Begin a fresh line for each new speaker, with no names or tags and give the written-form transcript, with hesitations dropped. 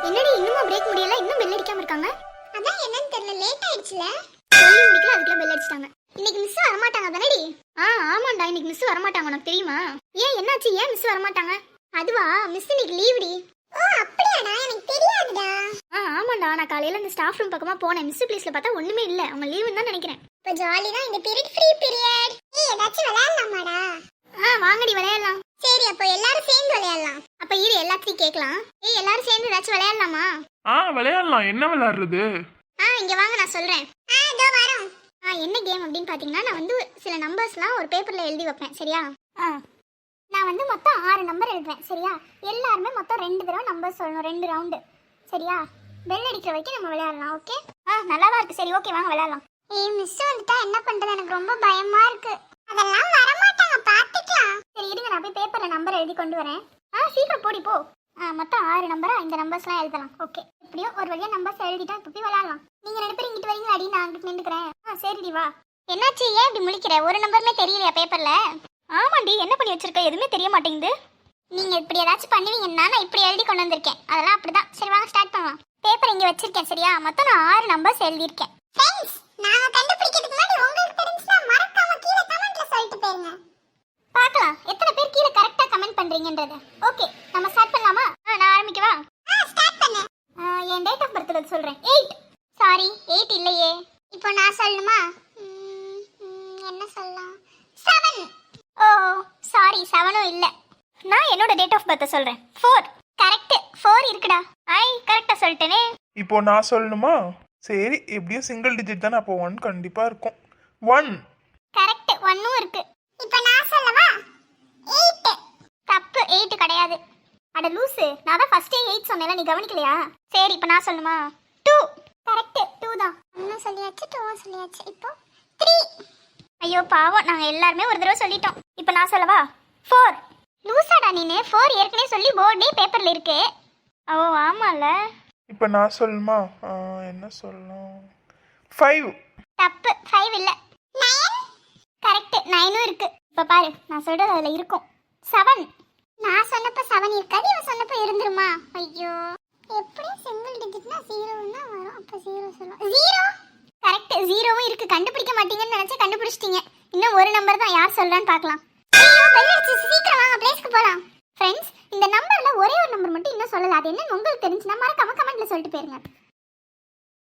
என்னடி இன்னுமா பிரேக் முடியல? இன்னும் பெல் அடிக்காம இருக்காங்க.
அதான் என்னன்னு தெரியல, லேட் ஆயிடுச்சுல.
சொல்லி முடிக்கல அதுக்குள்ள பெல் அடிச்சிட்டாங்க. இன்னைக்கு மிஸ் வர மாட்டாங்க தானடி? ஆமாண்டா, இன்னைக்கு மிஸ் வர மாட்டாங்க. உனக்கு தெரியுமா? ஏன் என்னாச்சு? ஏன் மிஸ் வர மாட்டாங்க? அதுவா, மிஸ் இன்னைக்கு லீவுடி.
ஓ அப்படியாடா, எனக்கு தெரியாதுடா.
ஆமாண்டா, நான் காலையில இந்த ஸ்டாஃப் ரூம் பக்கமா போனேன். மிஸ் பிளேஸ்ல பார்த்தா ஒண்ணுமே இல்ல. அவங்க லீவுன்னு தான் நினைக்கிறேன்.
இப்ப ஜாலி தான் இந்த பீரியட், ஃப்ரீ பீரியட். ஏதாச்சும் விளையாடலாமாடா?
வாங்கடி விளையாடலாம்.
சரி, அப்போ எல்லாரும் சேர்ந்து விளையாடலாம்.
அப்ப இரு எல்லாத்தையும் கேட்கலாம். எல்லாரும் சேர்ந்து ஏதாச்சும் விளையாடலாமா?
விளையாடலாம். என்ன விளையாடுறது?
இங்க வாங்க, நான் சொல்றேன்.
இதோ வரோம்.
என்ன கேம் அப்படின்னு பாத்தீங்கன்னா, நான் வந்து சில நம்பர்ஸ்லாம் ஒரு பேப்பர்ல எழுதி வைப்பேன். சரியா? நான் வந்து மொத்தம் 6 நம்பர் எழுதுவேன். சரியா? எல்லாருமே மொத்தம் 2 தடவை நம்பர் சொல்லணும், 2 ரவுண்டு. சரியா? பெல் அடிக்கிற வரைக்கும் நம்ம விளையாடலாம். ஓகே? நல்லாவா இருக்கு. சரி, ஓகே, வாங்க விளையாடலாம்.
மிஸ் வந்துட்டா என்ன பண்றது? எனக்கு ரொம்ப பயமா இருக்கு. அதெல்லாம் வர மாட்டாங்க, பாத்துக்கலாம்.
சரி இருங்க, நான் போய் பேப்பர்ல நம்பர் எழுதி கொண்டு வரேன். சீக்கிரம் போடி போ. மொத்தம் 6 நம்பரா? இந்த நம்பர்ஸ்லாம் எழுதலாம். ஓகே, எப்படியோ ஒரு வழியா நம்பர்ஸ் எழுதிட்டா இப்போ போய் விளையாடலாம். நீங்க 2 பேரும் இங்கிட்டு வரீங்களா? அடி, நான் அங்கிட்டு நின்றுக்கிறேன். சரிடி வா. என்னாச்சு? ஏன் இப்படி முழிக்கிற? ஒரு நம்பருமே தெரியலையா பேப்பர்ல? ஆமாண்டி, என்ன பண்ணி வச்சிருக்க? எதுவுமே தெரிய மாட்டேங்குது. நீங்க இப்படி ஏதாச்சும் பண்ணுவீங்கன்னா நான் இப்படி எழுதி கொண்டு வந்திருக்கேன். அதெல்லாம் அப்படிதான். சரி வாங்க ஸ்டார்ட் பண்ணலாம். பேப்பர் இங்க வச்சிருக்கேன். சரியா? மொத்தம் நான் 6 நம்பர்ஸ் எழுதியிருக்கேன்.
ஃப்ரெண்ட்ஸ், நாங்க கண்டுபிடிக்கிறதுக்கு முன்னாடி உங்களுக்கு தெரிஞ்சுனா மறக்காம கீழ கமெண்ட்ல சொல்லிட்டு போயிருங்க.
பார்க்கலாம் எத்தனை பேர் கீழே கரெக்டா கமெண்ட் பண்றீங்கன்றது. ஓகே, நம்ம ஸ்டார்ட் பண்ணலாமா? நான் ஆரம்பிக்கவா?
ஸ்டார்ட் பண்ணு.
என் டேட் ஆஃப் பர்த் சொல்றேன். 8. சாரி, 8 இல்லையே.
இப்போ நான் சொல்லணுமா? என்ன சொல்லலாம்? 7.
ஓ சாரி, 7ம் இல்ல. நான் என்னோட டேட் ஆஃப் பர்த் சொல்றேன். 4. கரெக்ட், 4 இருக்குடா. கரெக்டா சொல்லிட்டேனே.
இப்போ நான் சொல்லணுமா? சரி, எப்படியும் சிங்கிள் டிஜிட் தானே, அப்போ 1 கண்டிப்பா இருக்கும். 1.
கரெக்ட், 1ம் இருக்கு.
இப்போ நான் சொல்லவா? 8.
தப்பு, 8 கிடையாது. அட லூசு, நான் தான் ஃபர்ஸ்டே 8 சொன்னேன்ல, நீ கவனிக்கலையா? சரி, இப்போ நான் சொல்லுமா? 2. கரெக்ட், 2 தான்.
ஒன்னும் சொல்லியாச்சு, 2 சொல்லியாச்சு. இப்போ 3.
ஐயோ பாவம், நாங்க எல்லாருமே ஒரு தடவை சொல்லிட்டோம். இப்போ நான் சொல்லவா? 4. லூசாடா நீனு, 4 ஏற்கனவே சொல்லி போர்டே பேப்பர்ல இருக்கு. ஓ ஆமால.
இப்போ நான் சொல்லணுமா? என்ன சொல்லலாம்? 5.
தப்பு, 5 இல்ல.
9.
கரெக்ட், 9ம் இருக்கு. இப்ப பாரு, நான் சொல்றது அதுல இருக்கும். 7.
நான் சொன்னப்ப 7 இருக்காது, இவன் சொன்னப்ப இருந்துருமா? ஐயோ, எப்படி சிங்கிள் டிஜிட்னா 0 தான் வரும். அப்ப 0 சொல்லலாம். 0.
கரெக்ட், 0வும் இருக்கு. கண்டுபிடிக்க மாட்டீங்கன்னு நினைச்சா கண்டுபிடிச்சிட்டீங்க. இன்னும் ஒரு நம்பர் தான், யார் சொல்றான்னு பார்க்கலாம்.
ஐயோ, பெல் அடிச்சு, சீக்கிரம் வாங்க, பிளேஸ்க்கு போலாம்.
ஃப்ரெண்ட்ஸ், இந்த நம்பர்ல ஒரே ஒரு நம்பர் மட்டும் இன்னும் சொல்லல. அது என்னன்னு உங்களுக்கு தெரிஞ்சுன்னா மறக்காம கமெண்ட்ல சொல்லிட்டு போயிருங்க.